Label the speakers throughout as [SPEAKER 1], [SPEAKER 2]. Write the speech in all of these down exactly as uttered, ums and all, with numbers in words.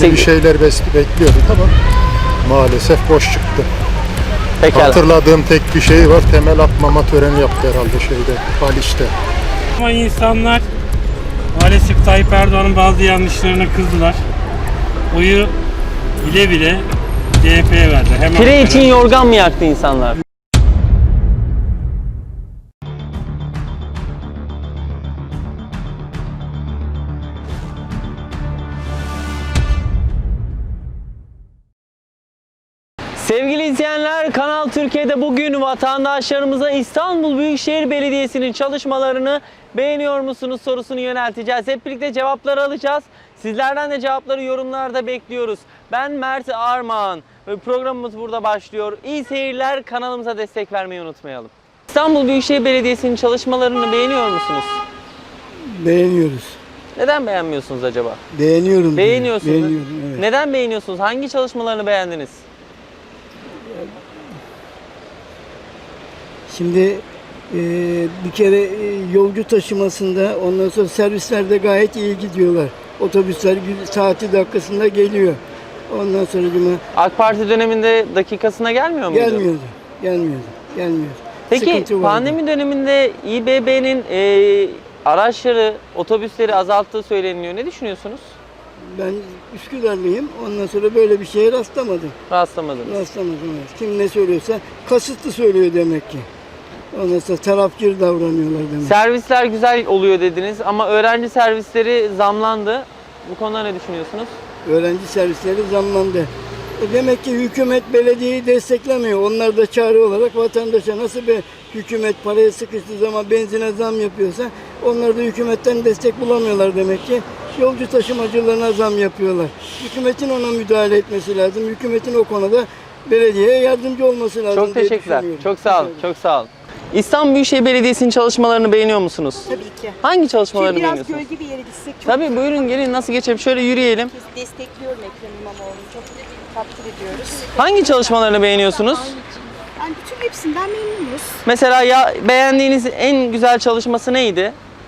[SPEAKER 1] Destek...
[SPEAKER 2] bir şeyler bekliyorduk ama maalesef boş çıktı.
[SPEAKER 1] Pekala.
[SPEAKER 2] Hatırladığım tek bir şey var, temel atmama töreni yaptı herhalde şeyde, Haliç'te.
[SPEAKER 3] Ama insanlar maalesef Tayyip Erdoğan'ın bazı yanlışlarına kızdılar. Oyu bile bile C H P'ye verdi. Hemen
[SPEAKER 1] Pire için yorgan mı yaktı insanlar? Sevgili izleyenler, Kanal Türkiye'de bugün vatandaşlarımıza İstanbul Büyükşehir Belediyesi'nin çalışmalarını beğeniyor musunuz sorusunu yönelteceğiz. Hep birlikte cevapları alacağız. Sizlerden de cevapları yorumlarda bekliyoruz. Ben Mert Armağan ve programımız burada başlıyor. İyi seyirler, kanalımıza destek vermeyi unutmayalım. İstanbul Büyükşehir Belediyesi'nin çalışmalarını beğeniyor musunuz?
[SPEAKER 4] Beğeniyoruz.
[SPEAKER 1] Neden beğenmiyorsunuz acaba?
[SPEAKER 4] Beğeniyorum.
[SPEAKER 1] Beğeniyorsunuz.
[SPEAKER 4] Beğeniyorum, evet.
[SPEAKER 1] Neden beğeniyorsunuz? Hangi çalışmalarını beğendiniz?
[SPEAKER 4] Şimdi e, bir kere e, yolcu taşımasında, ondan sonra servislerde gayet iyi gidiyorlar. Otobüsler gü- saati dakikasında geliyor. Ondan sonra cuma
[SPEAKER 1] AK Parti döneminde dakikasına gelmiyor muydu?
[SPEAKER 4] gelmiyordu. Gelmiyordu. Gelmiyordu.
[SPEAKER 1] Peki
[SPEAKER 4] Sıkıntı vardı.
[SPEAKER 1] pandemi döneminde İBB'nin e, araçları, otobüsleri azalttığı söyleniyor. Ne düşünüyorsunuz?
[SPEAKER 4] Ben Üsküdarlıyım. Ondan sonra böyle bir şeye rastlamadım.
[SPEAKER 1] Rastlamadınız.
[SPEAKER 4] Rastlamadım. Evet. Kim ne söylüyorsa kasıtlı söylüyor demek ki. Ondan sonra tarafkir davranıyorlar demek.
[SPEAKER 1] Servisler güzel oluyor dediniz ama öğrenci servisleri zamlandı. Bu konuda ne düşünüyorsunuz?
[SPEAKER 4] Öğrenci servisleri zamlandı. E demek ki hükümet belediyeyi desteklemiyor. Onlar da çare olarak vatandaşa nasıl bir hükümet paraya sıkıştığı zaman benzine zam yapıyorsa onlar da hükümetten destek bulamıyorlar demek ki. Yolcu taşımacılarına zam yapıyorlar. Hükümetin ona müdahale etmesi lazım. Hükümetin o konuda belediyeye yardımcı olması lazım.
[SPEAKER 1] Çok
[SPEAKER 4] diye
[SPEAKER 1] teşekkürler.
[SPEAKER 4] düşünüyorum.
[SPEAKER 1] Çok sağ olun. Çok sağ olun. İstanbul Büyükşehir Belediyesi'nin çalışmalarını beğeniyor musunuz?
[SPEAKER 5] Tabii ki.
[SPEAKER 1] Hangi çalışmalarını
[SPEAKER 5] Şöyle biraz
[SPEAKER 1] beğeniyorsunuz?
[SPEAKER 5] gölge bir yere gitsek çok
[SPEAKER 1] Tabii buyurun gelin, nasıl geçelim? Şöyle yürüyelim.
[SPEAKER 5] destekliyorum Ekrem İmamoğlu'nu. Çok takdir ediyoruz.
[SPEAKER 1] Hangi çalışmalarını beğeniyorsunuz?
[SPEAKER 5] Yani bütün hepsinden memnunuz.
[SPEAKER 1] Mesela ya beğendiğiniz en güzel çalışması neydi?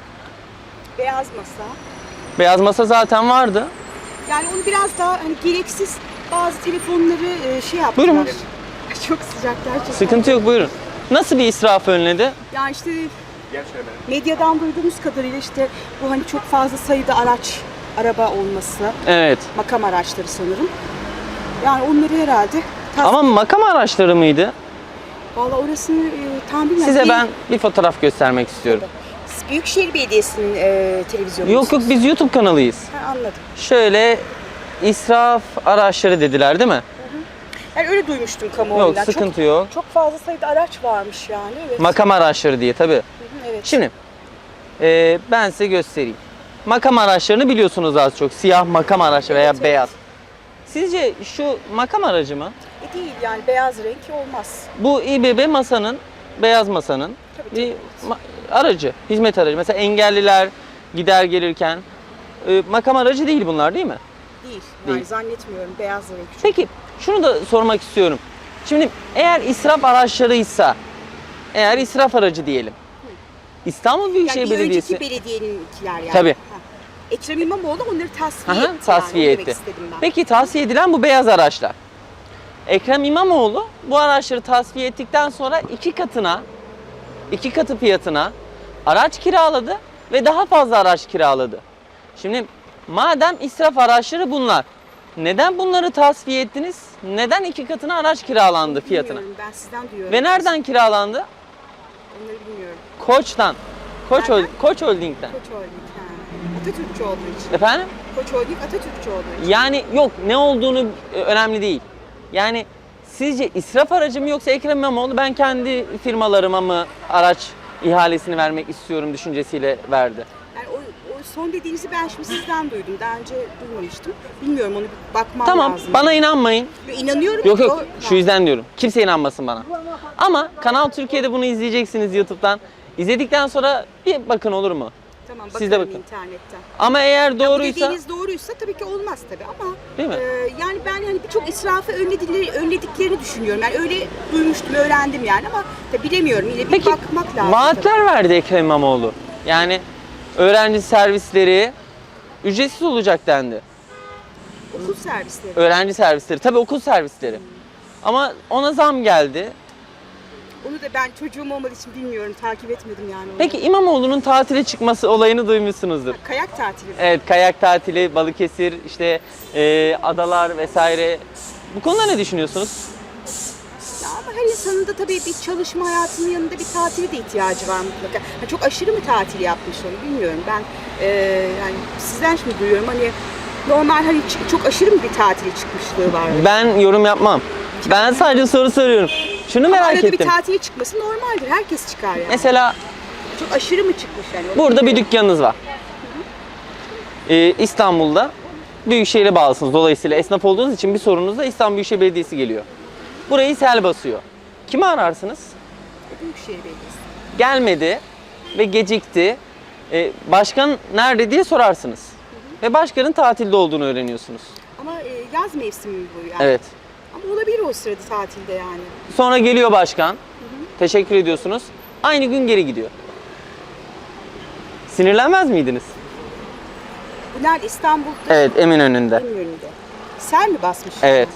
[SPEAKER 5] Beyaz masa.
[SPEAKER 1] Beyaz masa zaten vardı.
[SPEAKER 5] Yani onu biraz daha hani gereksiz bazı telefonları e, şey yaptılar.
[SPEAKER 1] Buyurun.
[SPEAKER 5] Çok sıcak gerçekten.
[SPEAKER 1] Sıkıntı yok, buyurun. Nasıl bir israf önledi?
[SPEAKER 5] Yani işte medyadan duyduğumuz kadarıyla işte bu hani çok fazla sayıda araç, araba olması,
[SPEAKER 1] Evet.
[SPEAKER 5] makam araçları sanırım. Yani onları herhalde tas-
[SPEAKER 1] Ama makam araçları mıydı?
[SPEAKER 5] Vallahi orasını e, tam bilmiyorum.
[SPEAKER 1] Size
[SPEAKER 5] Bir-
[SPEAKER 1] ben bir fotoğraf göstermek istiyorum.
[SPEAKER 5] Büyükşehir Belediyesi'nin e, televizyonu.
[SPEAKER 1] Yok yok, biz YouTube kanalıyız.
[SPEAKER 5] Ha, anladım.
[SPEAKER 1] Şöyle israf araçları dediler değil mi?
[SPEAKER 5] Yani öyle duymuştum kamuoyundan.
[SPEAKER 1] Yok, sıkıntı
[SPEAKER 5] çok,
[SPEAKER 1] yok.
[SPEAKER 5] Çok fazla sayıda araç varmış yani. Evet.
[SPEAKER 1] Makam araçları diye tabii.
[SPEAKER 5] Hı hı, evet.
[SPEAKER 1] Şimdi e, ben size göstereyim. Makam araçlarını biliyorsunuz az çok. Siyah makam araçı veya
[SPEAKER 5] Evet, evet.
[SPEAKER 1] beyaz. Sizce şu makam aracı mı?
[SPEAKER 5] E değil yani beyaz renk olmaz.
[SPEAKER 1] Bu İBB masanın, beyaz masanın
[SPEAKER 5] Tabii,
[SPEAKER 1] bir ma- aracı, hizmet aracı. Mesela engelliler gider gelirken e, makam aracı değil bunlar, değil mi?
[SPEAKER 5] Değil. Yani
[SPEAKER 1] Değil.
[SPEAKER 5] zannetmiyorum beyaz renk. Çok.
[SPEAKER 1] Peki şunu da sormak istiyorum. Şimdi eğer israf araçlarıysa, eğer israf aracı diyelim. İstanbul Büyükşehir
[SPEAKER 5] Yani bir
[SPEAKER 1] Belediyesi
[SPEAKER 5] önceki belediyeninkiler yani.
[SPEAKER 1] Tabii.
[SPEAKER 5] Ha. Ekrem İmamoğlu onları tasfiye
[SPEAKER 1] Aha,
[SPEAKER 5] etti.
[SPEAKER 1] tasfiye
[SPEAKER 5] yani.
[SPEAKER 1] etti.
[SPEAKER 5] Onu demek istedim ben.
[SPEAKER 1] Peki tasfiye edilen bu beyaz araçlar. Ekrem İmamoğlu bu araçları tasfiye ettikten sonra iki katına, iki katı fiyatına araç kiraladı ve daha fazla araç kiraladı. Şimdi madem israf araçları bunlar, neden bunları tasfiye ettiniz? Neden iki katına araç kiralandı fiyatına?
[SPEAKER 5] Bilmiyorum, ben sizden duyuyorum.
[SPEAKER 1] Ve nereden kiralandı?
[SPEAKER 5] Onları bilmiyorum.
[SPEAKER 1] Koç'tan. Koç,
[SPEAKER 5] Nereden?
[SPEAKER 1] Koç Holding'den.
[SPEAKER 5] Koç Holding. Ha. Atatürkçü olduğu için.
[SPEAKER 1] Efendim?
[SPEAKER 5] Koç Holding Atatürkçü olduğu için.
[SPEAKER 1] Yani yok, ne olduğunu e, önemli değil. Yani sizce israf aracı mı yoksa Ekrem İmamoğlu ben kendi firmalarıma mı araç ihalesini vermek istiyorum düşüncesiyle verdi?
[SPEAKER 5] Yani o, o son dediğinizi ben şimdi sizden duydum. Daha önce duymamıştım. Bilmiyorum, onu bir bakmam
[SPEAKER 1] Tamam,
[SPEAKER 5] lazım.
[SPEAKER 1] bana inanmayın.
[SPEAKER 5] Yo, İnanıyorum.
[SPEAKER 1] Yok
[SPEAKER 5] ki
[SPEAKER 1] yok,
[SPEAKER 5] o-
[SPEAKER 1] şu yüzden diyorum. Kimse inanmasın bana. Ama Kanal Türkiye'de bunu izleyeceksiniz YouTube'dan. İzledikten sonra bir bakın, olur mu?
[SPEAKER 5] Tamam,
[SPEAKER 1] Siz de
[SPEAKER 5] bakarım
[SPEAKER 1] bakın.
[SPEAKER 5] internetten.
[SPEAKER 1] Ama eğer
[SPEAKER 5] Ya bu
[SPEAKER 1] doğruysa,
[SPEAKER 5] dediğiniz doğruysa tabii ki olmaz tabii ama
[SPEAKER 1] değil mi?
[SPEAKER 5] e, yani ben hani birçok israfı önledikleri, önlediklerini düşünüyorum. Yani öyle duymuştum, öğrendim yani ama tabii bilemiyorum. Yine bir
[SPEAKER 1] Peki
[SPEAKER 5] bakmak lazım.
[SPEAKER 1] vaatler verdi Ekrem İmamoğlu. Yani öğrenci servisleri ücretsiz olacak dendi.
[SPEAKER 5] Okul servisleri.
[SPEAKER 1] Öğrenci servisleri. Tabii okul servisleri. Ama ona zam geldi.
[SPEAKER 5] Onu da ben çocuğum olmadığı için bilmiyorum, takip etmedim yani onu.
[SPEAKER 1] Peki İmamoğlu'nun tatile çıkması olayını duymuşsunuzdur.
[SPEAKER 5] Kayak tatili mi?
[SPEAKER 1] Evet, kayak tatili, Balıkesir, işte e, adalar vesaire. Bu konuda ne düşünüyorsunuz?
[SPEAKER 5] Ya ama her insanın da tabii bir çalışma hayatının yanında bir tatile de ihtiyacı var mutlaka. Ha, çok aşırı mı tatil yapmış onu bilmiyorum. Ben e, yani sizden şimdi duyuyorum hani normal hani ç- çok aşırı mı bir tatile çıkmışlığı var?
[SPEAKER 1] Ben yorum yapmam. Ben sadece soru soruyorum. Şunu
[SPEAKER 5] Ama
[SPEAKER 1] merak
[SPEAKER 5] arada bir
[SPEAKER 1] ettim.
[SPEAKER 5] tatile çıkması normaldir. Herkes çıkar yani.
[SPEAKER 1] Mesela
[SPEAKER 5] Çok aşırı mı çıkmış yani? Onu
[SPEAKER 1] burada bir
[SPEAKER 5] bilmiyorum.
[SPEAKER 1] dükkanınız var. Ee, İstanbul'da Büyükşehir'e bağlısınız. Dolayısıyla esnaf olduğunuz için bir sorunuzda İstanbul Büyükşehir Belediyesi geliyor. Burayı sel basıyor. Kimi ararsınız?
[SPEAKER 5] Büyükşehir Belediyesi.
[SPEAKER 1] Gelmedi ve gecikti. Ee, başkan nerede diye sorarsınız. Ve başkanın tatilde olduğunu öğreniyorsunuz.
[SPEAKER 5] Ama e, yaz mevsimi mi bu yani?
[SPEAKER 1] Evet.
[SPEAKER 5] Ama olabilir o sırada tatilde yani.
[SPEAKER 1] Sonra geliyor başkan. Teşekkür ediyorsunuz. Aynı gün geri gidiyor. Sinirlenmez miydiniz?
[SPEAKER 5] Bu nerede? İstanbul'da.
[SPEAKER 1] Evet, Eminönü'nde.
[SPEAKER 5] Eminönü'nde. Sel mi basmış?
[SPEAKER 1] Evet.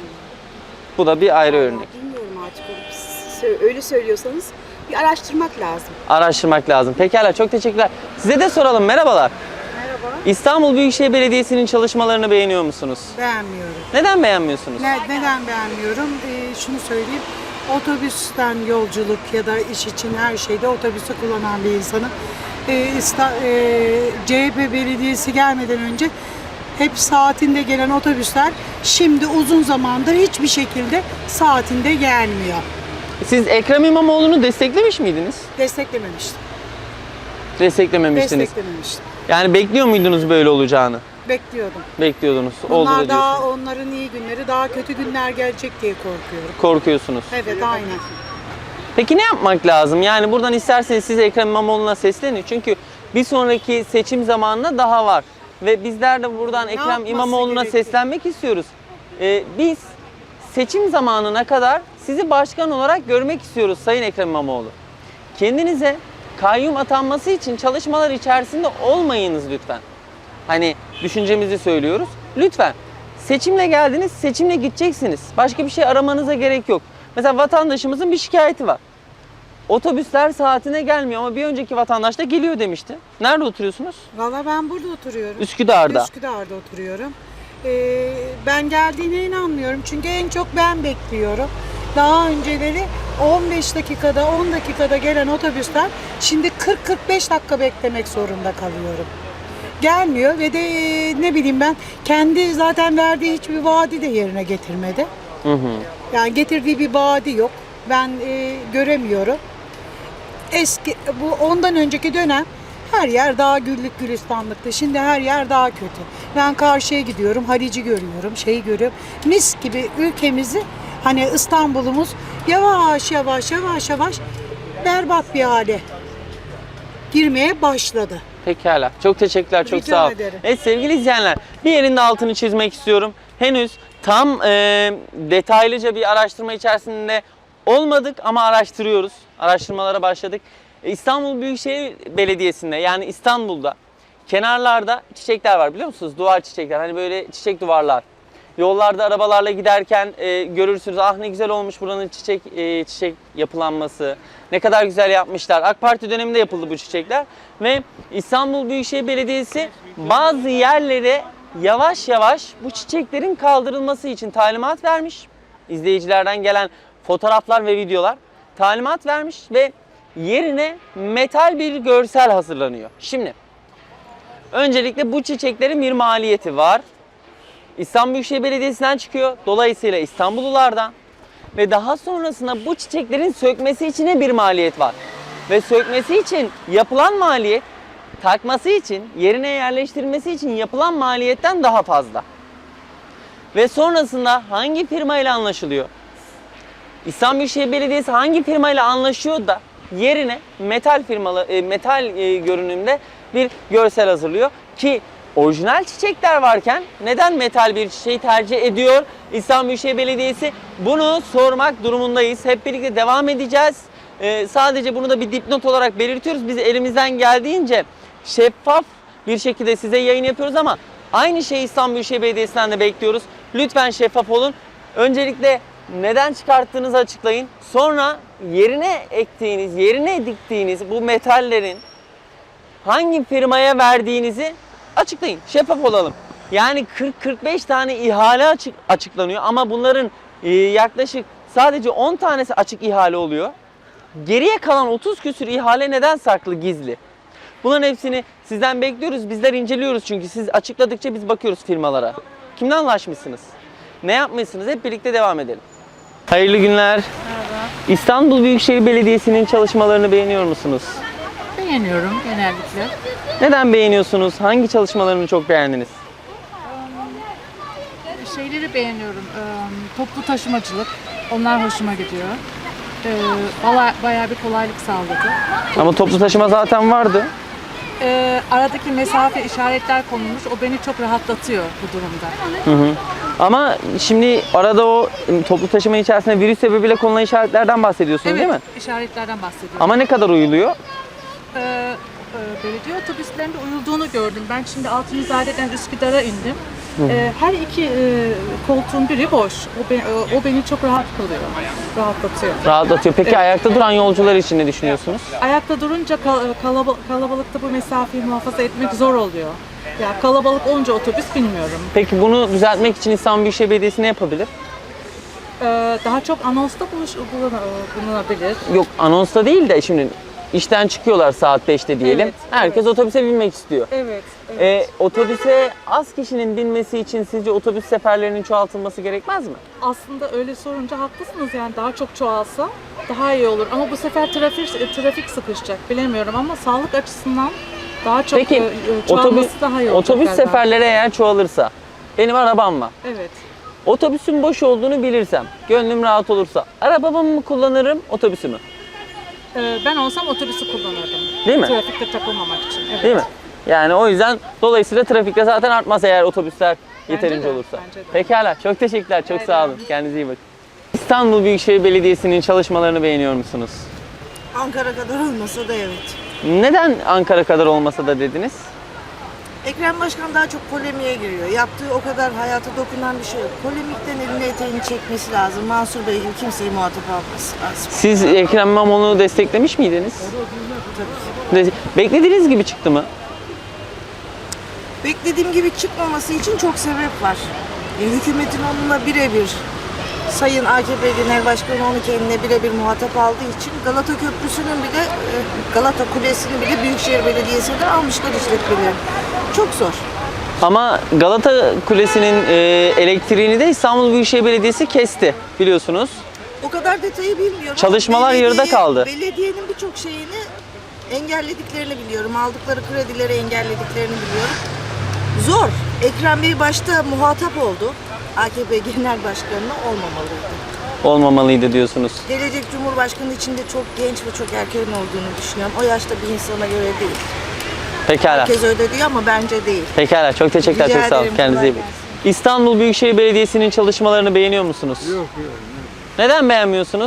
[SPEAKER 1] Bu da bir ayrı
[SPEAKER 5] Vallahi
[SPEAKER 1] örnek.
[SPEAKER 5] bilmiyorum artık. onu. Siz sö- Öyle söylüyorsanız bir araştırmak lazım.
[SPEAKER 1] Araştırmak lazım. Pekala, çok teşekkürler. Size de soralım. Merhabalar.
[SPEAKER 6] Merhaba.
[SPEAKER 1] İstanbul Büyükşehir Belediyesi'nin çalışmalarını beğeniyor musunuz?
[SPEAKER 6] Beğenmiyorum.
[SPEAKER 1] Neden beğenmiyorsunuz?
[SPEAKER 6] Ne, neden beğenmiyorum? Ee, şunu söyleyeyim. Otobüsten yolculuk ya da iş için her şeyde otobüsü kullanan bir insanım. Ee, İsta- e, C H P Belediyesi gelmeden önce hep saatinde gelen otobüsler şimdi uzun zamandır hiçbir şekilde saatinde gelmiyor.
[SPEAKER 1] Siz Ekrem İmamoğlu'nu desteklemiş miydiniz?
[SPEAKER 6] Desteklememiştim.
[SPEAKER 1] Desteklememiştiniz.
[SPEAKER 6] Desteklememiştim.
[SPEAKER 1] Yani bekliyor muydunuz böyle olacağını?
[SPEAKER 6] Bekliyordum.
[SPEAKER 1] Bekliyordunuz. Oldu da
[SPEAKER 6] Bunlar
[SPEAKER 1] diyorsunuz.
[SPEAKER 6] daha onların iyi günleri, daha kötü günler gelecek diye korkuyorum.
[SPEAKER 1] Korkuyorsunuz.
[SPEAKER 6] Evet, aynen.
[SPEAKER 1] Peki ne yapmak lazım? Yani buradan isterseniz siz Ekrem İmamoğlu'na seslenin. Çünkü bir sonraki seçim zamanına daha var. Ve bizler de buradan Ekrem
[SPEAKER 6] yapması
[SPEAKER 1] İmamoğlu'na
[SPEAKER 6] gerekiyor?
[SPEAKER 1] seslenmek istiyoruz. Ee, biz seçim zamanına kadar sizi başkan olarak görmek istiyoruz Sayın Ekrem İmamoğlu. Kendinize kayyum atanması için çalışmalar içerisinde olmayınız lütfen. Hani düşüncemizi söylüyoruz. Lütfen. Seçimle geldiniz, seçimle gideceksiniz. Başka bir şey aramanıza gerek yok. Mesela vatandaşımızın bir şikayeti var. Otobüsler saatine gelmiyor ama bir önceki vatandaş da geliyor demişti. Nerede oturuyorsunuz?
[SPEAKER 6] Valla ben burada oturuyorum.
[SPEAKER 1] Üsküdar'da.
[SPEAKER 6] Üsküdar'da oturuyorum. Ee, ben geldiğine inanmıyorum çünkü en çok ben bekliyorum. Daha önceleri on beş dakikada, on dakikada gelen otobüsler şimdi kırk kırk beş dakika beklemek zorunda kalıyorum. Gelmiyor ve de e, ne bileyim ben kendi zaten verdiği hiçbir vaadi de yerine getirmedi.
[SPEAKER 1] Hı hı.
[SPEAKER 6] Yani getirdiği bir vaadi yok. Ben e, göremiyorum. Eski bu ondan önceki dönem her yer daha güllük gülistanlıktı. Şimdi her yer daha kötü. Ben karşıya gidiyorum, Halici görüyorum, şeyi görüyorum. Mis gibi ülkemizi hani İstanbul'umuz yavaş yavaş yavaş yavaş berbat bir hale girmeye başladı.
[SPEAKER 1] Pekala. Çok teşekkürler. Çok
[SPEAKER 6] Rica
[SPEAKER 1] sağ olun.
[SPEAKER 6] ederim.
[SPEAKER 1] Evet sevgili izleyenler, bir yerin de altını çizmek istiyorum. Henüz tam e, detaylıca bir araştırma içerisinde olmadık ama araştırıyoruz. Araştırmalara başladık. E, İstanbul Büyükşehir Belediyesi'nde yani İstanbul'da kenarlarda çiçekler var biliyor musunuz? Duvar çiçekler. Hani böyle çiçek duvarlar. Yollarda arabalarla giderken e, görürsünüz. Ah ne güzel olmuş buranın çiçek e, çiçek yapılanması. Ne kadar güzel yapmışlar. AK Parti döneminde yapıldı bu çiçekler. Ve İstanbul Büyükşehir Belediyesi bazı yerlere yavaş yavaş bu çiçeklerin kaldırılması için talimat vermiş. İzleyicilerden gelen fotoğraflar ve videolar talimat vermiş ve yerine metal bir görsel hazırlanıyor. Şimdi öncelikle bu çiçeklerin bir maliyeti var. İstanbul Büyükşehir Belediyesi'nden çıkıyor. Dolayısıyla İstanbullulardan ve daha sonrasında bu çiçeklerin sökmesi için bir maliyet var. Ve sökmesi için yapılan maliyet, takması için, yerine yerleştirilmesi için yapılan maliyetten daha fazla. Ve sonrasında hangi firmayla anlaşılıyor? İstanbul Büyükşehir Belediyesi hangi firmayla anlaşıyor da yerine metal firmalı e, metal e, görünümde bir görsel hazırlıyor ki orijinal çiçekler varken neden metal bir çiçeği tercih ediyor İstanbul Büyükşehir Belediyesi? Bunu sormak durumundayız. Hep birlikte devam edeceğiz. Ee, sadece bunu da bir dipnot olarak belirtiyoruz. Biz elimizden geldiğince şeffaf bir şekilde size yayın yapıyoruz ama Aynı şeyi İstanbul Büyükşehir Belediyesi'nden de bekliyoruz. Lütfen şeffaf olun. Öncelikle neden çıkarttığınızı açıklayın. Sonra yerine ektiğiniz, yerine diktiğiniz bu metallerin hangi firmaya verdiğinizi açıklayın. Şeffaf olalım. Yani kırk kırk beş tane ihale açık, açıklanıyor ama bunların e, yaklaşık sadece on tanesi açık ihale oluyor. Geriye kalan otuz küsür ihale neden saklı, gizli? Bunların hepsini sizden bekliyoruz. Bizler inceliyoruz çünkü siz açıkladıkça biz bakıyoruz firmalara. Kimden anlaşmışsınız? Ne yapmışsınız? Hep birlikte devam edelim. Hayırlı günler.
[SPEAKER 7] Merhaba.
[SPEAKER 1] İstanbul Büyükşehir Belediyesi'nin çalışmalarını beğeniyor musunuz?
[SPEAKER 7] Beğeniyorum genellikle.
[SPEAKER 1] Neden beğeniyorsunuz? Hangi çalışmalarını çok beğendiniz?
[SPEAKER 7] Şeyleri beğeniyorum. Ee, Toplu taşımacılık. Onlar hoşuma gidiyor. Ee, bala- Bayağı bir kolaylık sağladı.
[SPEAKER 1] Ama toplu taşıma zaten vardı.
[SPEAKER 7] Ee, Aradaki mesafe işaretler konulmuş. O beni çok rahatlatıyor bu durumda.
[SPEAKER 1] Hı hı. Ama şimdi arada o toplu taşıma içerisinde virüs sebebiyle konulan işaretlerden bahsediyorsunuz
[SPEAKER 7] Evet,
[SPEAKER 1] değil mi?
[SPEAKER 7] işaretlerden bahsediyorum.
[SPEAKER 1] Ama ne kadar uyuluyor?
[SPEAKER 7] Ee, e, belediye otobüslerinde uyulduğunu gördüm. Ben şimdi Altunizade'den Üsküdar'a indim. Ee, her iki e, koltuğun biri boş. O, be- o, o beni çok rahat kılıyor. Rahatlatıyor.
[SPEAKER 1] Rahatlatıyor. Peki
[SPEAKER 7] Evet.
[SPEAKER 1] ayakta duran yolcular için ne düşünüyorsunuz?
[SPEAKER 7] Ayakta durunca kal- kalaba- kalabalıkta bu mesafeyi muhafaza etmek zor oluyor. Ya kalabalık olunca otobüs bilmiyorum.
[SPEAKER 1] Peki bunu düzeltmek için İstanbul Büyükşehir Belediyesi ne yapabilir?
[SPEAKER 7] Ee, daha çok anonsta buluş, bulun- bulunabilir.
[SPEAKER 1] Yok anonsta değil de şimdi işten çıkıyorlar saat beşte diyelim.
[SPEAKER 7] Evet,
[SPEAKER 1] Herkes
[SPEAKER 7] evet.
[SPEAKER 1] otobüse binmek istiyor.
[SPEAKER 7] Evet. evet.
[SPEAKER 1] Ee, otobüse az kişinin binmesi için sizce otobüs seferlerinin çoğaltılması gerekmez mi?
[SPEAKER 7] Aslında öyle sorunca haklısınız, yani daha çok çoğalsa daha iyi olur. Ama bu sefer trafik trafik sıkışacak, bilemiyorum ama sağlık açısından daha çok
[SPEAKER 1] Peki
[SPEAKER 7] e, e, çoğalması
[SPEAKER 1] otobüs,
[SPEAKER 7] daha iyi olacak
[SPEAKER 1] otobüs
[SPEAKER 7] galiba.
[SPEAKER 1] seferleri eğer çoğalırsa, benim arabam var.
[SPEAKER 7] Evet.
[SPEAKER 1] Otobüsün boş olduğunu bilirsem, gönlüm rahat olursa arabamı mı kullanırım, otobüsü mü?
[SPEAKER 7] Ee, ben olsam otobüsü kullanırdım.
[SPEAKER 1] Değil mi?
[SPEAKER 7] Trafikte takılmamak için. Evet.
[SPEAKER 1] Değil mi? Yani o yüzden dolayısıyla trafikte zaten artmaz eğer otobüsler yeterince
[SPEAKER 7] de,
[SPEAKER 1] olursa.
[SPEAKER 7] bence de.
[SPEAKER 1] Pekala. Çok teşekkürler. Çok
[SPEAKER 7] Rica
[SPEAKER 1] sağ olun.
[SPEAKER 7] ederim.
[SPEAKER 1] Kendinize iyi bakın. İstanbul Büyükşehir Belediyesi'nin çalışmalarını beğeniyor musunuz?
[SPEAKER 8] Ankara kadar olmasa da evet.
[SPEAKER 1] Neden Ankara kadar olmasa da dediniz?
[SPEAKER 8] Ekrem Başkan daha çok polemiğe giriyor. Yaptığı o kadar hayata dokunan bir şey yok. Polemikten elini eteğini çekmesi lazım. Mansur Bey gibi kimseyi muhatap alması lazım.
[SPEAKER 1] Siz Ekrem İmamoğlu'nu desteklemiş miydiniz?
[SPEAKER 8] Tabii ki.
[SPEAKER 1] De- Beklediğiniz gibi çıktı mı?
[SPEAKER 8] Beklediğim gibi çıkmaması için çok sebep var. E, hükümetin onunla birebir, Sayın A K P Genel Başkanı onu kendine birebir muhatap aldığı için Galata Köprüsü'nün bile, e, Galata Kulesi'ni bile Büyükşehir Belediyesi'ne almışlar işletmeleri. Çok zor.
[SPEAKER 1] Ama Galata Kulesi'nin e, elektriğini de İstanbul Büyükşehir Belediyesi kesti biliyorsunuz.
[SPEAKER 8] O kadar detayı bilmiyorum.
[SPEAKER 1] Çalışmalar yarıda
[SPEAKER 8] Belediye-
[SPEAKER 1] kaldı.
[SPEAKER 8] Belediyenin birçok şeyini engellediklerini biliyorum. Aldıkları kredileri engellediklerini biliyorum. Zor. Ekrem Bey başta muhatap oldu. A K P Genel Başkanı'na olmamalıydı.
[SPEAKER 1] Olmamalıydı diyorsunuz.
[SPEAKER 8] Gelecek Cumhurbaşkanı için de çok genç ve çok erken olduğunu düşünüyorum. O yaşta bir insana göre değil.
[SPEAKER 1] Pekala.
[SPEAKER 8] Herkes öyle diyor ama bence değil.
[SPEAKER 1] Pekala. Çok teşekkürler.
[SPEAKER 8] Rica
[SPEAKER 1] Çok sağ olun.
[SPEAKER 8] ederim,
[SPEAKER 1] Kendinize iyi
[SPEAKER 8] kolay
[SPEAKER 1] bakın. İstanbul Büyükşehir Belediyesi'nin çalışmalarını beğeniyor musunuz?
[SPEAKER 2] Yok yok.
[SPEAKER 1] Neden beğenmiyorsunuz?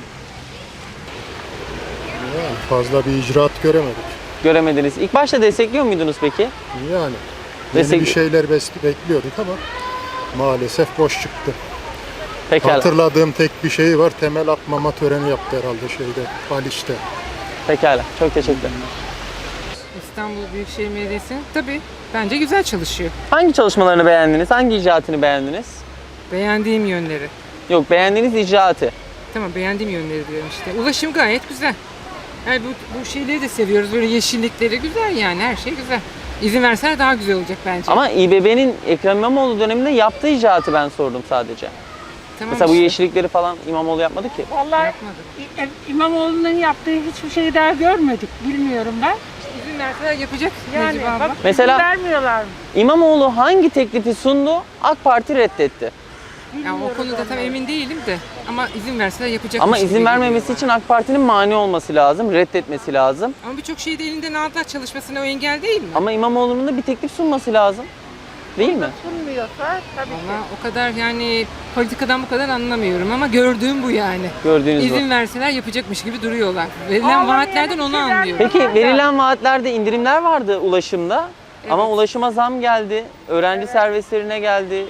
[SPEAKER 2] Yani fazla bir icraat göremedik.
[SPEAKER 1] Göremediniz. İlk başta destekliyor muydunuz peki?
[SPEAKER 2] Yani yeni
[SPEAKER 1] Destek-
[SPEAKER 2] bir şeyler bes- bekliyorduk ama maalesef boş çıktı.
[SPEAKER 1] Pekala.
[SPEAKER 2] Hatırladığım tek bir şey var. Temel atmama töreni yaptı herhalde şeyde, Haliç'te.
[SPEAKER 1] Pekala. Çok teşekkürler.
[SPEAKER 9] İstanbul Büyükşehir Belediyesi tabii bence güzel çalışıyor.
[SPEAKER 1] Hangi çalışmalarını beğendiniz? Hangi icraatını beğendiniz?
[SPEAKER 9] Beğendiğim yönleri.
[SPEAKER 1] Yok beğendiğiniz icraatı.
[SPEAKER 9] Tamam beğendiğim yönleri diyorum işte. Ulaşım gayet güzel. Yani bu, bu şeyleri de seviyoruz. Böyle yeşillikleri güzel yani her şey güzel. İzin verseler daha güzel olacak bence.
[SPEAKER 1] Ama İBB'nin Ekrem İmamoğlu döneminde yaptığı icraatı ben sordum sadece.
[SPEAKER 9] tamam
[SPEAKER 1] Mesela bu
[SPEAKER 9] işte,
[SPEAKER 1] yeşillikleri falan İmamoğlu yapmadı ki.
[SPEAKER 10] Vallahi
[SPEAKER 9] yapmadı.
[SPEAKER 10] İ- İmamoğlu'nun yaptığı hiçbir şeyi daha görmedik. Bilmiyorum ben.
[SPEAKER 9] İzin verseler yapacak
[SPEAKER 10] Yani
[SPEAKER 9] Necip abla.
[SPEAKER 10] bak
[SPEAKER 1] Mesela-
[SPEAKER 10] izin vermiyorlar mı?
[SPEAKER 1] İmamoğlu hangi teklifi sundu? AK Parti reddetti.
[SPEAKER 9] Yani o konuda tam emin değilim de ama izin verseler yapacak.
[SPEAKER 1] Ama izin vermemesi için AK Parti'nin mani olması lazım, reddetmesi lazım.
[SPEAKER 9] Ama birçok şeyi de elinden aldılar, çalışmasına o engel değil mi?
[SPEAKER 1] Ama İmamoğlu'nun da bir teklif sunması lazım. Değil mi?
[SPEAKER 10] Sunmuyorsa tabii ki.
[SPEAKER 9] Valla o kadar yani politikadan bu kadar anlamıyorum ama gördüğüm bu yani.
[SPEAKER 1] Gördüğünüz bu.
[SPEAKER 9] İzin verseler yapacakmış gibi duruyorlar. Verilen
[SPEAKER 10] Vallahi
[SPEAKER 9] vaatlerden
[SPEAKER 10] yani
[SPEAKER 9] onu
[SPEAKER 10] bir şey
[SPEAKER 9] anlıyorum.
[SPEAKER 1] Peki verilen vaatlerde indirimler vardı ulaşımda. Ama
[SPEAKER 9] Evet.
[SPEAKER 1] ulaşıma zam geldi. Öğrenci servislerine geldi.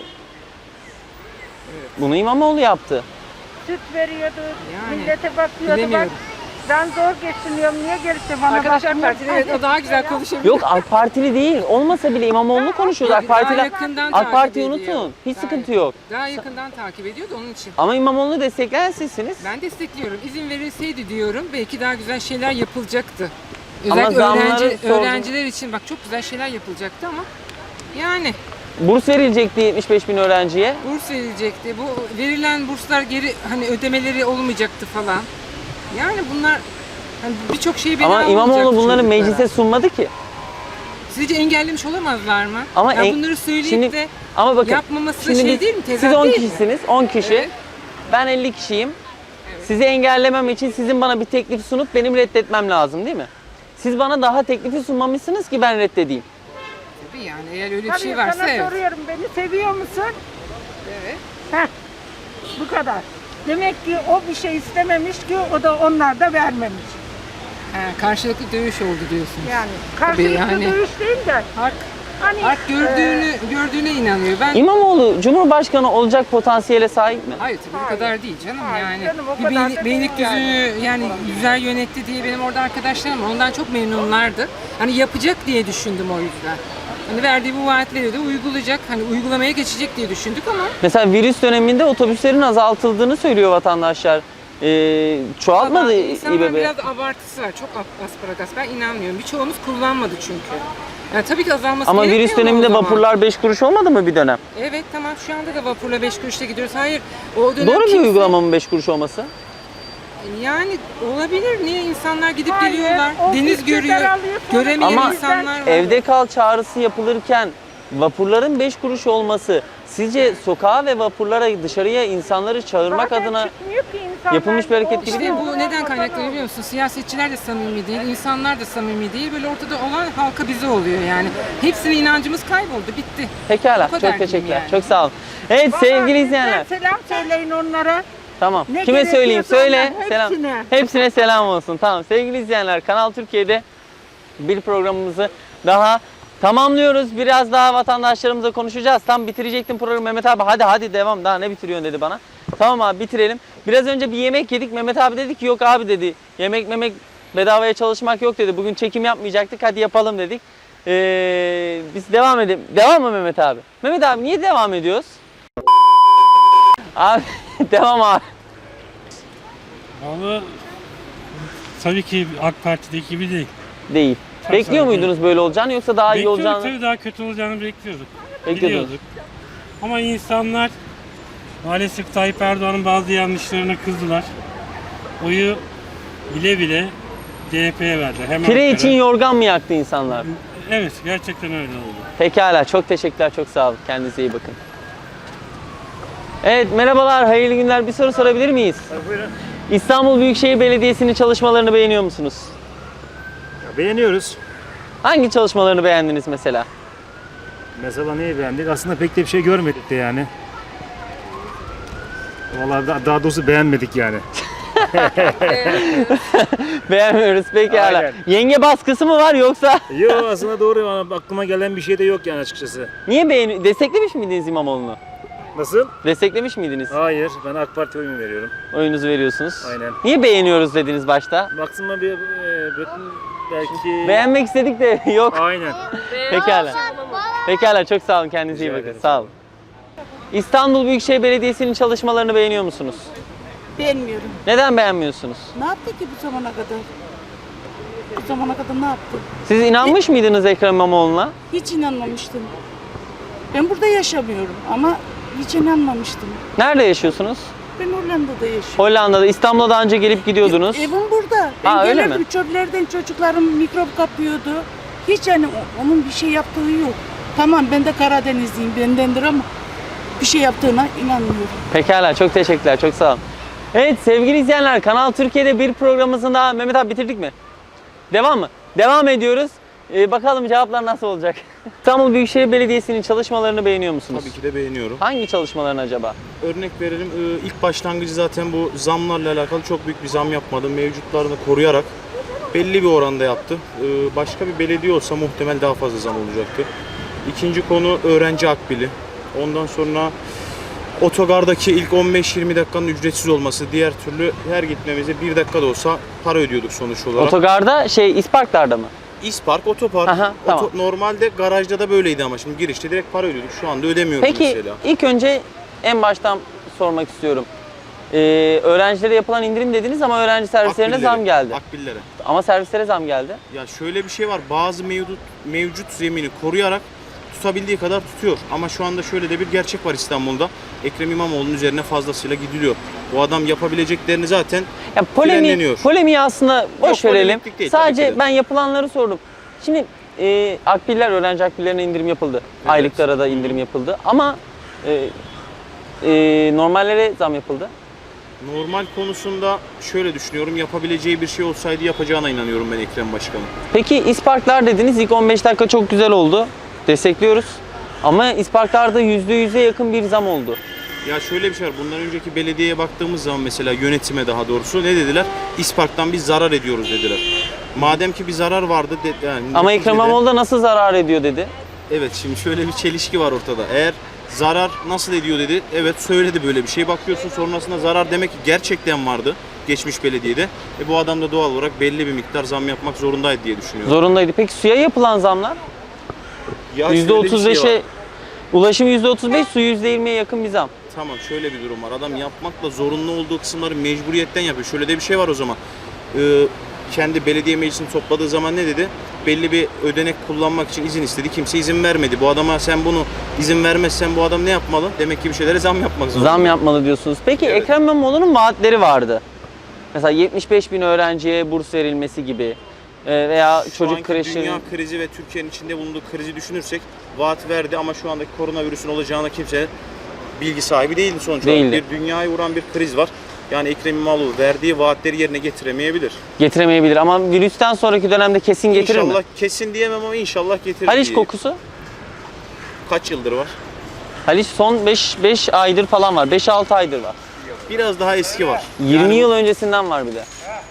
[SPEAKER 1] Bunu İmamoğlu yaptı.
[SPEAKER 10] Süt veriyordu,
[SPEAKER 9] Yani,
[SPEAKER 10] millete bakıyordu bak.
[SPEAKER 9] bilemiyorum.
[SPEAKER 10] Ben zor geçiniyorum, niye gelip de bana
[SPEAKER 9] Arkadaşlar
[SPEAKER 10] bakmıyor?
[SPEAKER 9] Partili evet o daha güzel konuşabilir.
[SPEAKER 1] Yok AK Partili değil. Olmasa bile İmamoğlu'nu konuşuyoruz. AK
[SPEAKER 9] Daha
[SPEAKER 1] Parti'den
[SPEAKER 9] yakından
[SPEAKER 1] AK
[SPEAKER 9] takip
[SPEAKER 1] Parti'yi
[SPEAKER 9] ediyor.
[SPEAKER 1] unutun. Hiç
[SPEAKER 9] Daha-
[SPEAKER 1] sıkıntı yok.
[SPEAKER 9] Daha yakından takip ediyordu onun için.
[SPEAKER 1] Ama İmamoğlu'nu destekleyen sizsiniz.
[SPEAKER 9] Ben destekliyorum. İzin verilseydi diyorum belki daha güzel şeyler yapılacaktı.
[SPEAKER 1] Ama
[SPEAKER 9] Özellikle
[SPEAKER 1] zamları
[SPEAKER 9] öğrenci,
[SPEAKER 1] sordum.
[SPEAKER 9] öğrenciler için bak çok güzel şeyler yapılacaktı ama yani
[SPEAKER 1] Burs verilecekti yetmiş beş bin öğrenciye.
[SPEAKER 9] burs verilecekti. Bu verilen burslar geri hani ödemeleri olmayacaktı falan. Yani bunlar hani birçok şeyi bina
[SPEAKER 1] Ama İmamoğlu
[SPEAKER 9] olacaktı
[SPEAKER 1] bunları
[SPEAKER 9] çocuklara.
[SPEAKER 1] meclise sunmadı ki.
[SPEAKER 9] Sizce engellemiş olamazlar mı?
[SPEAKER 1] Ama
[SPEAKER 9] ya
[SPEAKER 1] en-
[SPEAKER 9] bunları söyleyip
[SPEAKER 1] şimdi-
[SPEAKER 9] de
[SPEAKER 1] Ama bakın
[SPEAKER 9] yapmaması
[SPEAKER 1] şimdi
[SPEAKER 9] şey
[SPEAKER 1] biz-
[SPEAKER 9] değil mi?
[SPEAKER 1] siz
[SPEAKER 9] Tezat
[SPEAKER 1] on
[SPEAKER 9] değil mi?
[SPEAKER 1] kişisiniz. on kişi.
[SPEAKER 9] Evet.
[SPEAKER 1] Ben elli kişiyim. Sizi engellemem için sizin bana bir teklif sunup benim reddetmem lazım değil mi? Siz bana daha teklifi sunmamışsınız ki ben reddedeyim.
[SPEAKER 9] Tabii yani eğer öyle bir
[SPEAKER 10] Tabii
[SPEAKER 9] şey varsa
[SPEAKER 10] sana
[SPEAKER 9] evet.
[SPEAKER 10] soruyorum, beni seviyor musun?
[SPEAKER 9] Evet.
[SPEAKER 10] Heh, bu kadar. Demek ki o bir şey istememiş ki o da onlar da vermemiş.
[SPEAKER 9] Ha, karşılıklı dövüş oldu diyorsunuz.
[SPEAKER 10] Yani karşılıklı
[SPEAKER 9] yani.
[SPEAKER 10] dövüş değil de
[SPEAKER 9] Hak,
[SPEAKER 10] hani
[SPEAKER 9] hak gördüğünü gördüğüne inanıyor. Ben
[SPEAKER 1] İmamoğlu Cumhurbaşkanı olacak potansiyele sahip mi?
[SPEAKER 9] hayır tabii bu kadar değil canım
[SPEAKER 10] Hayır
[SPEAKER 9] yani.
[SPEAKER 10] canım, o
[SPEAKER 9] bir
[SPEAKER 10] kadar
[SPEAKER 9] beylik,
[SPEAKER 10] da
[SPEAKER 9] beylik
[SPEAKER 10] değil
[SPEAKER 9] düzüğünü yani güzel yönetti diye benim orada arkadaşlarım var. Ondan çok memnunlardı. Hani yapacak diye düşündüm o yüzden. Hani verdiği bu vaatleri de uygulayacak. Hani uygulamaya geçecek diye düşündük ama
[SPEAKER 1] Mesela virüs döneminde otobüslerin azaltıldığını söylüyor vatandaşlar. Ee, çoğaltmadı
[SPEAKER 9] Ama insanlar
[SPEAKER 1] İBB.
[SPEAKER 9] biraz abartısı var. Çok ap- asparagas. Ben inanmıyorum. Birçoğumuz kullanmadı çünkü. Yani tabii ki azalması
[SPEAKER 1] Ama
[SPEAKER 9] gerekmiyor
[SPEAKER 1] virüs
[SPEAKER 9] mu o
[SPEAKER 1] döneminde
[SPEAKER 9] zaman?
[SPEAKER 1] vapurlar beş kuruş olmadı mı bir dönem?
[SPEAKER 9] Evet tamam şu anda da vapurla beş kuruşla gidiyoruz. Hayır o dönem
[SPEAKER 1] Doğru bir
[SPEAKER 9] kimse-
[SPEAKER 1] uygulama mı beş kuruş olması?
[SPEAKER 9] Yani olabilir. Niye insanlar gidip
[SPEAKER 10] Hayır,
[SPEAKER 9] geliyorlar?
[SPEAKER 10] o
[SPEAKER 9] Deniz
[SPEAKER 10] bütçeler
[SPEAKER 9] görüyor.
[SPEAKER 10] alıyor, sonra
[SPEAKER 9] Göremeyen
[SPEAKER 1] Ama
[SPEAKER 9] insanlar var.
[SPEAKER 1] evde kal çağrısı yapılırken vapurların beş kuruş olması sizce sokağa ve vapurlara dışarıya insanları çağırmak
[SPEAKER 10] zaten
[SPEAKER 1] adına
[SPEAKER 10] çıkmıyor ki insanlar.
[SPEAKER 1] yapılmış bir hareket gibi
[SPEAKER 9] İşte
[SPEAKER 1] değil mi?
[SPEAKER 9] bu neden kaynaklanıyor biliyor musun? Siyasetçiler de samimi değil, insanlar da samimi değil. Böyle ortada olan halka bize oluyor yani. Hepsine inancımız kayboldu, bitti.
[SPEAKER 1] Pekala.
[SPEAKER 9] Bu kadar
[SPEAKER 1] Çok teşekkürler.
[SPEAKER 9] diyeyim yani.
[SPEAKER 1] Çok sağ olun. Evet
[SPEAKER 10] Vallahi
[SPEAKER 1] sevgili
[SPEAKER 10] bizden
[SPEAKER 1] izleyenler.
[SPEAKER 10] selam söyleyin onlara.
[SPEAKER 1] Tamam.
[SPEAKER 10] Ne
[SPEAKER 1] Kime söyleyeyim?
[SPEAKER 10] gerekiyorsa
[SPEAKER 1] Söyle.
[SPEAKER 10] onlar,
[SPEAKER 1] Selam.
[SPEAKER 10] hepsine.
[SPEAKER 1] Hepsine selam olsun. Tamam. Sevgili izleyenler, Kanal Türkiye'de bir programımızı daha tamamlıyoruz. Biraz daha vatandaşlarımızla konuşacağız. Tam bitirecektim programı. Mehmet abi hadi hadi devam. Daha ne bitiriyorsun dedi bana. Tamam abi bitirelim. Biraz önce bir yemek yedik. Mehmet abi dedi ki yok abi dedi. Yemek memek bedavaya çalışmak yok dedi. Bugün çekim yapmayacaktık. Hadi yapalım dedik. Ee, biz devam edelim. Devam mı Mehmet abi? Mehmet abi niye devam ediyoruz? Abi devam abi.
[SPEAKER 3] Vallahi tabii ki AK Parti'deki gibi değil.
[SPEAKER 1] Değil.
[SPEAKER 3] Tabii,
[SPEAKER 1] Bekliyor
[SPEAKER 3] tabii.
[SPEAKER 1] muydunuz böyle olacağını yoksa daha iyi
[SPEAKER 3] Bekliyorduk
[SPEAKER 1] olacağını?
[SPEAKER 3] tabii daha kötü olacağını bekliyorduk.
[SPEAKER 1] Bekliyordunuz.
[SPEAKER 3] Biliyorduk. Ama insanlar maalesef Tayyip Erdoğan'ın bazı yanlışlarına kızdılar. Oyu bile bile C H P'ye verdi. Hem
[SPEAKER 1] Pire
[SPEAKER 3] Ankara-
[SPEAKER 1] için yorgan mı yaktı insanlar?
[SPEAKER 3] Evet gerçekten öyle oldu.
[SPEAKER 1] Pekala çok teşekkürler çok sağ olun. Kendinize iyi bakın. Evet merhabalar hayırlı günler. Bir soru sorabilir miyiz?
[SPEAKER 11] Buyurun.
[SPEAKER 1] İstanbul Büyükşehir Belediyesi'nin çalışmalarını beğeniyor musunuz?
[SPEAKER 11] Ya beğeniyoruz.
[SPEAKER 1] Hangi çalışmalarını beğendiniz mesela?
[SPEAKER 11] Mesela neyi beğendik? Aslında pek de bir şey görmedik de yani. Vallahi da- daha doğrusu beğenmedik yani.
[SPEAKER 1] Beğenmiyoruz pekala.
[SPEAKER 11] Aynen.
[SPEAKER 1] Yenge baskısı mı var yoksa?
[SPEAKER 11] Yok aslında doğru ama aklıma gelen bir şey de yok yani açıkçası.
[SPEAKER 1] Niye beğeni desteklemiş miydiniz İmamoğlu'nu?
[SPEAKER 11] Nasıl?
[SPEAKER 1] Desteklemiş miydiniz?
[SPEAKER 11] Hayır ben AK Parti oyumu veriyorum.
[SPEAKER 1] Oyunuzu veriyorsunuz.
[SPEAKER 11] Aynen.
[SPEAKER 1] Niye beğeniyoruz dediniz başta?
[SPEAKER 11] Baksana bir e, belki...
[SPEAKER 1] Beğenmek istedik de yok.
[SPEAKER 11] Aynen.
[SPEAKER 1] Pekala. Pekala çok sağ olun kendinize iyi
[SPEAKER 11] Rica
[SPEAKER 1] bakın.
[SPEAKER 11] ederim.
[SPEAKER 1] Sağ olun. İstanbul Büyükşehir Belediyesi'nin çalışmalarını beğeniyor musunuz?
[SPEAKER 6] Beğenmiyorum.
[SPEAKER 1] Neden beğenmiyorsunuz?
[SPEAKER 6] Ne yaptı ki bu zamana kadar? Bu zamana kadar ne yaptı?
[SPEAKER 1] Siz inanmış mıydınız Ekrem İmamoğlu'na?
[SPEAKER 6] Hiç inanmamıştım. Ben burada yaşamıyorum ama hiç inanmamıştım.
[SPEAKER 1] Nerede yaşıyorsunuz?
[SPEAKER 6] Ben Hollanda'da yaşıyorum.
[SPEAKER 1] Hollanda'da. İstanbul'a daha önce gelip gidiyordunuz.
[SPEAKER 6] Evim burada. Ben
[SPEAKER 1] Ha, öyle
[SPEAKER 6] gelirdim
[SPEAKER 1] mi?
[SPEAKER 6] çöplerden çocuklarım mikrop kapıyordu. Hiç yani o- onun bir şey yaptığı yok. Tamam ben de Karadenizliyim bendendir ama bir şey yaptığına inanmıyorum.
[SPEAKER 1] Pekala çok teşekkürler. Çok sağ olun. Evet sevgili izleyenler Kanal Türkiye'de bir programımızın daha Mehmet abi bitirdik mi? Devam mı? Devam ediyoruz. Ee, bakalım cevaplar nasıl olacak? İstanbul Büyükşehir Belediyesi'nin çalışmalarını beğeniyor musunuz?
[SPEAKER 12] Tabii ki de beğeniyorum.
[SPEAKER 1] Hangi çalışmalarını acaba?
[SPEAKER 12] Örnek verelim, e, ilk başlangıcı zaten bu zamlarla alakalı çok büyük bir zam yapmadı. Mevcutlarını koruyarak belli bir oranda yaptı. Ee, başka bir belediye olsa muhtemel daha fazla zam olacaktı. İkinci konu öğrenci akbili. Ondan sonra otogardaki ilk on beş yirmi dakikanın ücretsiz olması. Diğer türlü her gitmemize bir dakika da olsa para ödüyorduk sonuç olarak.
[SPEAKER 1] Otogarda şey İsparklar'da mı?
[SPEAKER 12] İspark, otopark.
[SPEAKER 1] Aha, tamam.
[SPEAKER 12] Oto- normalde garajda da böyleydi ama şimdi girişte direkt para ödüyorduk. Şu anda ödemiyoruz
[SPEAKER 1] Peki
[SPEAKER 12] mesela.
[SPEAKER 1] ilk önce en baştan sormak istiyorum. Ee, öğrencilere yapılan indirim dediniz ama öğrenci servislerine
[SPEAKER 12] Akbillere,
[SPEAKER 1] zam geldi.
[SPEAKER 12] Akbillere.
[SPEAKER 1] Ama servislere zam geldi.
[SPEAKER 12] Ya şöyle bir şey var. Bazı mevcut mevcut zemini koruyarak tutabildiği kadar tutuyor. Ama şu anda şöyle de bir gerçek var İstanbul'da. Ekrem İmamoğlu'nun üzerine fazlasıyla gidiliyor. Bu adam yapabileceklerini zaten
[SPEAKER 1] Ya polemi,
[SPEAKER 12] frenleniyor.
[SPEAKER 1] polemiği aslında boş
[SPEAKER 12] Yok,
[SPEAKER 1] verelim.
[SPEAKER 12] polemiklik değil, tabii
[SPEAKER 1] Sadece
[SPEAKER 12] ki de.
[SPEAKER 1] ben yapılanları sordum. Şimdi e, akbiller, öğrenci akbillerine indirim yapıldı. Aylıklara da indirim yapıldı. Ama e, e, normallere zam yapıldı.
[SPEAKER 12] Normal konusunda şöyle düşünüyorum. Yapabileceği bir şey olsaydı yapacağına inanıyorum ben Ekrem Başkan'ın.
[SPEAKER 1] Peki İsparklar dediniz. İlk on beş dakika çok güzel oldu. Destekliyoruz. Ama İsparklar'da yüzde yüze yakın bir zam oldu.
[SPEAKER 12] Ya şöyle bir şey var. Bundan önceki belediyeye baktığımız zaman mesela yönetime daha doğrusu ne dediler? İspark'tan biz zarar ediyoruz dediler. Madem ki bir zarar vardı. De, yani
[SPEAKER 1] Ama
[SPEAKER 12] neticede-
[SPEAKER 1] Ekrem İmamoğlu da nasıl zarar ediyor dedi.
[SPEAKER 12] Evet, şimdi şöyle bir çelişki var ortada. Eğer zarar nasıl ediyor dedi. Evet, söyledi böyle bir şey. Bakıyorsun sonrasında zarar demek ki gerçekten vardı geçmiş belediyede. E bu adam da doğal olarak belli bir miktar zam yapmak zorundaydı diye düşünüyorum.
[SPEAKER 1] Zorundaydı. Peki suya yapılan zamlar?
[SPEAKER 12] Ya şöyle bir
[SPEAKER 1] yüzde otuz beşe
[SPEAKER 12] şey var.
[SPEAKER 1] ulaşım yüzde otuz beş, su yüzde yirmiye yakın bir zam.
[SPEAKER 12] Tamam, şöyle bir durum var. Adam yapmakla zorunlu olduğu kısımları mecburiyetten yapıyor. Şöyle de bir şey var o zaman. Ee, kendi belediye meclisini topladığı zaman ne dedi? Belli bir ödenek kullanmak için izin istedi. Kimse izin vermedi. Bu adama sen bunu izin vermezsen bu adam ne yapmalı? Demek ki bir şeylere zam yapmak zorunda.
[SPEAKER 1] Zam yapmalı diyorsunuz. Peki
[SPEAKER 12] Evet.
[SPEAKER 1] Ekrem İmamoğlu'nun vaatleri vardı. Mesela yetmiş beş bin öğrenciye burs verilmesi gibi e, veya
[SPEAKER 12] Şu
[SPEAKER 1] çocuk
[SPEAKER 12] anki
[SPEAKER 1] kreşi.
[SPEAKER 12] dünya krizi ve Türkiye'nin içinde bulunduğu krizi düşünürsek vaat verdi ama şu andaki koronavirüsün olacağına kimse bilgi sahibi değildi sonuç olarak.
[SPEAKER 1] Değildi.
[SPEAKER 12] Bir dünyayı vuran bir kriz var. Yani Ekrem İmamoğlu verdiği vaatleri yerine getiremeyebilir.
[SPEAKER 1] Getiremeyebilir ama virüsten sonraki dönemde kesin getirir
[SPEAKER 12] inşallah
[SPEAKER 1] mi?
[SPEAKER 12] kesin diyemem ama inşallah getirir.
[SPEAKER 1] Haliç
[SPEAKER 12] diye.
[SPEAKER 1] kokusu?
[SPEAKER 12] Kaç yıldır var?
[SPEAKER 1] Haliç son beş aydır falan var. beş altı aydır var.
[SPEAKER 12] Biraz daha eski var.
[SPEAKER 1] yirmi
[SPEAKER 12] Yani-
[SPEAKER 1] yıl öncesinden var bir de.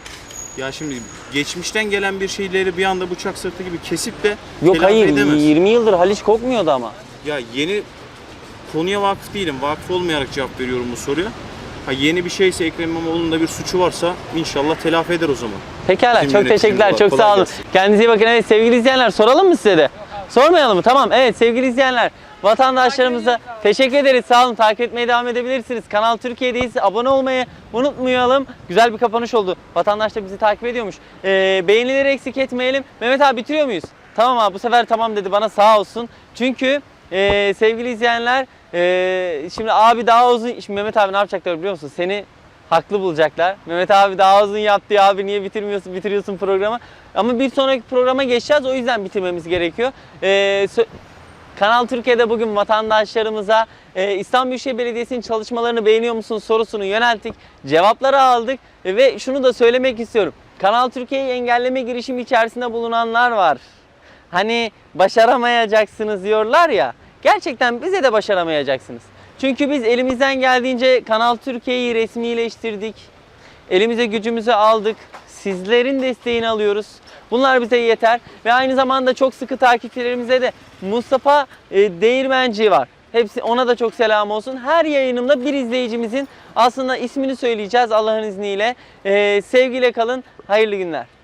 [SPEAKER 12] Ya şimdi geçmişten gelen bir şeyleri bir anda bıçak sırtı gibi kesip de
[SPEAKER 1] Yok
[SPEAKER 12] telafi
[SPEAKER 1] hayır
[SPEAKER 12] edemez.
[SPEAKER 1] yirmi yıldır Haliç kokmuyordu ama.
[SPEAKER 12] Ya yeni konuya vakıf değilim. Vakıf olmayarak cevap veriyorum bu soruya. Ha yeni bir şeyse Ekrem İmamoğlu'nun da bir suçu varsa inşallah telafi eder o zaman.
[SPEAKER 1] Pekala
[SPEAKER 12] Bizim
[SPEAKER 1] çok
[SPEAKER 12] yöneticimiz
[SPEAKER 1] teşekkürler.
[SPEAKER 12] olarak.
[SPEAKER 1] Çok
[SPEAKER 12] Kolay
[SPEAKER 1] sağ olun.
[SPEAKER 12] gelsin.
[SPEAKER 1] Kendinize iyi bakın. Evet sevgili izleyenler soralım mı size de? Sormayalım mı? Tamam. Evet sevgili izleyenler. Vatandaşlarımıza teşekkür ederiz. Sağ olun. Takip etmeye devam edebilirsiniz. Kanal Türkiye'deyiz. Abone olmayı unutmayalım. Güzel bir kapanış oldu. Vatandaş da bizi takip ediyormuş. Ee, beğenileri eksik etmeyelim. Mehmet abi bitiriyor muyuz? Tamam abi bu sefer tamam dedi bana sağ olsun. Çünkü e, sevgili izleyenler e, şimdi abi daha uzun... Şimdi Mehmet abi ne yapacaklar biliyor musun? Seni haklı bulacaklar. Mehmet abi daha uzun yaptı ya abi niye bitirmiyorsun bitiriyorsun programı. Ama bir sonraki programa geçeceğiz o yüzden bitirmemiz gerekiyor. Ee, Kanal Türkiye'de bugün vatandaşlarımıza e, İstanbul Büyükşehir Belediyesi'nin çalışmalarını beğeniyor musunuz sorusunu yönelttik. Cevapları aldık e, ve şunu da söylemek istiyorum. Kanal Türkiye'yi engelleme girişimi içerisinde bulunanlar var. Hani başaramayacaksınız diyorlar ya. Gerçekten bize de başaramayacaksınız. Çünkü biz elimizden geldiğince Kanal Türkiye'yi resmileştirdik. Elimize gücümüzü aldık. Sizlerin desteğini alıyoruz. Bunlar bize yeter. Ve aynı zamanda çok sıkı takipçilerimize de Mustafa e, Değirmenci var. Hepsi ona da çok selam olsun. Her yayınımda bir izleyicimizin aslında ismini söyleyeceğiz Allah'ın izniyle. E, sevgiyle kalın. Hayırlı günler.